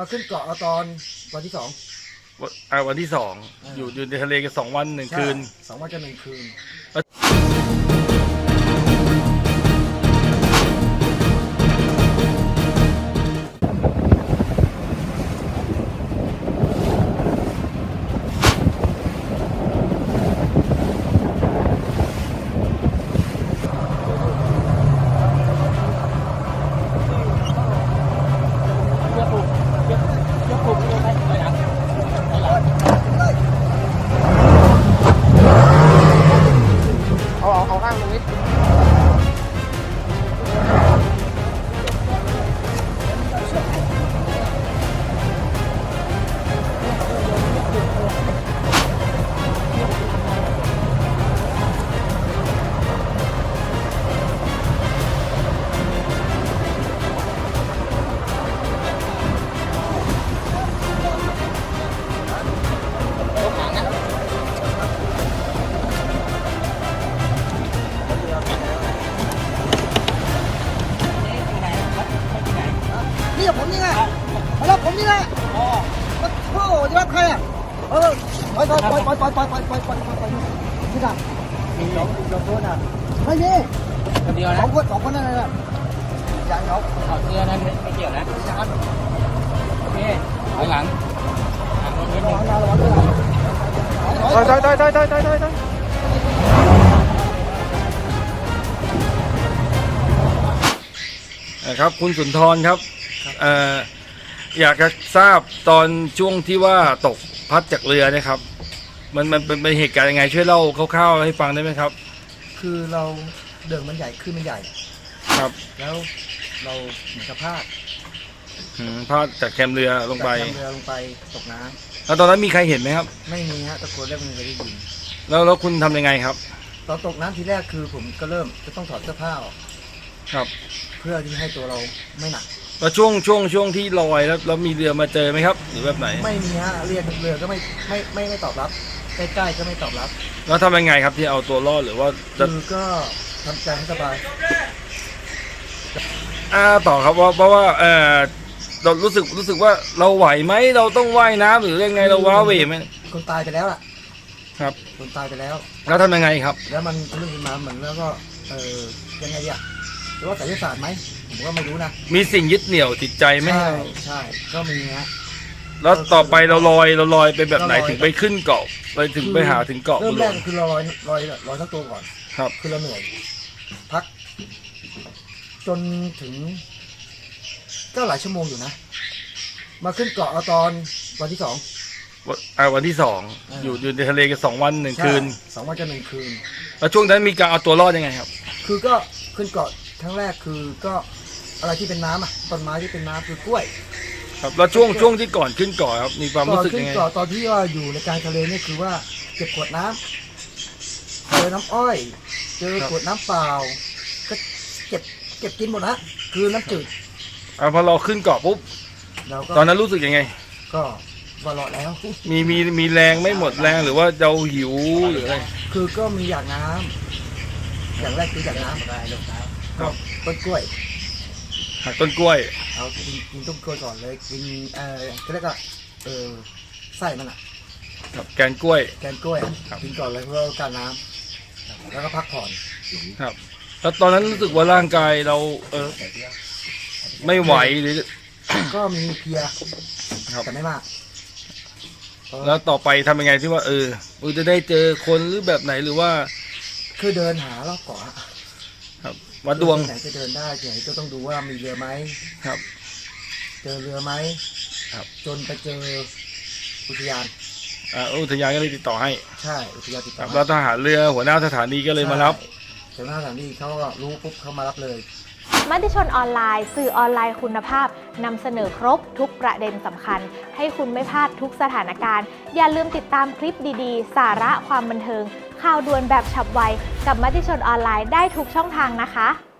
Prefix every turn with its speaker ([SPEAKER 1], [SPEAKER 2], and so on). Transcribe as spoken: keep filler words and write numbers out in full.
[SPEAKER 1] มาขึ้นเกาะเอาตอนวันที่สอง
[SPEAKER 2] วันอ่าวันที่สองอยู่อยู่ในทะเลกันสองวันหนึ่งคืน
[SPEAKER 1] สองวันจะหนึ่งคืนนี่ผมนี่ไงมาแล้วผมนี่แหละอ๋อมาโอ้จะรับใครอ่ะเออปล่อยปล่อยปล่อยปล่อยปล่อยปล่อยปล่อยปล่อยปล่อยปล่อยปล่อยนี่ค่ะมีสองสองคนอ่ะไม่มีคนเดียวนะสองคนสองคนนั่นแหละอย่างเขาเอาเสื้อนั้นไม่เกี่ยวนะอย่างนั้นโอเคถอยหลังหลังนิดนึงถอยถอยถอยถอยถอยถอยถอยถอย
[SPEAKER 2] นะครับคุณสุนทรครับเอ่ออยากจะทราบตอนช่วงที่ว่าตกพัดจากเรือนะครับมันมันเป็นเป็นเหตุการณ์ยังไงช่วยเล่าคร่าวๆให้ฟังได้ไหมครับ
[SPEAKER 1] คือเราเดินมันใหญ่ขึ้นมันใหญ่
[SPEAKER 2] ครับ
[SPEAKER 1] แล้วเราเหมือนกับพลาด
[SPEAKER 2] พลาดจากแคมเรือลงไป
[SPEAKER 1] จากแคมเรือลงไปตกน้
[SPEAKER 2] ำแล้วตอนนั้นมีใครเห็นไหมครับ
[SPEAKER 1] ไม่มีฮะตะโกนเรียกมันไม่ได้ยิน
[SPEAKER 2] แล้วแล้วคุณทำยังไงครับ
[SPEAKER 1] ตอนตกน้ำทีแรกคือผมก็เริ่มจะต้องถอดเสื้อผ้าออก
[SPEAKER 2] ครับ
[SPEAKER 1] เพื่อที่ให้ตัวเราไม่หนัก
[SPEAKER 2] แล้วช่วงช่วงช่วงที่ลอยแล้วแล้วมีเรือมาเจอไหมครับหรือแบบไหน
[SPEAKER 1] ไม่มีฮะเรียกเรือก็ไม่ไม่ไม่ไม่ตอบรับใกล้ๆก็ไม่ตอบรับ
[SPEAKER 2] แล้วทำยังไงครับที่เอาตัวรอดหรือว่า
[SPEAKER 1] คือก็ทำใจให้สบาย
[SPEAKER 2] อ่าต่อครับว่าเพราะว่าเออเรารู้สึกรู้สึกว่าเราไหวไหมเราต้องว่ายน้ำหรือยังไงเราว้าเหวไหม
[SPEAKER 1] คนตายไปแล้วล่ะ
[SPEAKER 2] ครับ
[SPEAKER 1] คนตายไปแล้ว
[SPEAKER 2] แล้วทำยังไงครับ
[SPEAKER 1] แล้วมันเรื่องมาเหมือนแล้วก็เออยังไงอ่ะหรือว่าไสยศาสตร์ไหมผมก็ไม่รู้นะ
[SPEAKER 2] มีสิ่งยึดเหนี่ยวจิตใจไหม
[SPEAKER 1] ใช่ใช่ก็มีฮะ
[SPEAKER 2] แล้วต่อไปเราลอยเราลอยไปแบบไหนถึงไปขึ้นเกาะไปถึงไปหาถึงเกาะ
[SPEAKER 1] เริ่มแรกคือเราลอยลอยลอยทั้งตัวก่อน
[SPEAKER 2] ครับ
[SPEAKER 1] คือเราเหนื่อยพักจนถึงก็หลายชั่วโมงอยู่นะมาขึ้นเกาะเอาตอนวันที่สอง
[SPEAKER 2] อ่าวันที่สองอยู่อยู่ในทะเลกันสองวันหนึ่งคืน
[SPEAKER 1] สองวันจะหนึ่งคืน
[SPEAKER 2] แล้วช่วงนั้นมีการเอาตัวรอดยังไงครับ
[SPEAKER 1] คือก็ขึ้นเกาะครั้งแรกคือก็อะไรที่เป็นน้ำอ่ะต้นไม้ที่เป็นน้ำคือกล้วย
[SPEAKER 2] ครับแล้วช่วงช่วงที่ก่อนขึ้นเกาะครับมีความรู้สึกยังไง
[SPEAKER 1] ขึ้นเกาะตอนที่ว่าอยู่ในกลางทะเลนี่คือว่าเก็บขวดน้ำเจอน้ำอ้อยเจอขวดน้ำเปล่าก็เก็บเก็บกินหมดนะคือน้ำจืด
[SPEAKER 2] อ่าพอเราขึ้นเกาะปุ๊บตอนนั้นรู้สึกยังไง
[SPEAKER 1] ก็ว่าหลอดแล้ว
[SPEAKER 2] มีมีมีแรงไม่หมดแรงหรือว่าเราหิวหรืออะไร
[SPEAKER 1] คือก็มีอยากน้ำอย่างแรกคืออยากน้ำก็ต้นกล้วย
[SPEAKER 2] หักต้นกล้วย
[SPEAKER 1] เอากินกินต้นกล้วยก่อนเลยกินเอ่อก็เรียกว่าเออไส้มันอ่ะ
[SPEAKER 2] ครับแกนกล้วย
[SPEAKER 1] แกนกล้วยกินก่อนเลยเพื่อการน้ำแล้วก็พักผ่อน
[SPEAKER 2] ครับแล้วตอนนั้นรู้สึกว่าร่างกายเราเออไม่ไหวหรือ
[SPEAKER 1] ก็มีเพียแต่ไม่มาก
[SPEAKER 2] แล้วต่อไปทำยังไงที่ว่าเออเราจะได้เจอคนหรือแบบไหนหรือว่า
[SPEAKER 1] คือเดินหารอบเกาะ
[SPEAKER 2] ครับวัดดวง
[SPEAKER 1] ไหนจะเดินได้ไหนก็ต้องดูว่ามีเรือไหม
[SPEAKER 2] ครับ
[SPEAKER 1] เจอเรือไหม
[SPEAKER 2] ครับ
[SPEAKER 1] จนไปเจออุทยาน
[SPEAKER 2] อ่าอุทยานก็เลยติดต่อให้
[SPEAKER 1] ใช่อุทยานติดต่อ
[SPEAKER 2] แล้วทหารเรือหัวหน้าสถานีก็เลยมารับ
[SPEAKER 1] หัวหน้าสถานีเขาก็รู้ปุ๊บเขามารับเลย
[SPEAKER 3] มติชนออนไลน์สื่อออนไลน์คุณภาพนำเสนอครบทุกประเด็นสำคัญให้คุณไม่พลาดทุกสถานการณ์อย่าลืมติดตามคลิปดีๆสาระความบันเทิงข่าวด่วนแบบฉับไวกับมติชนออนไลน์ได้ทุกช่องทางนะคะ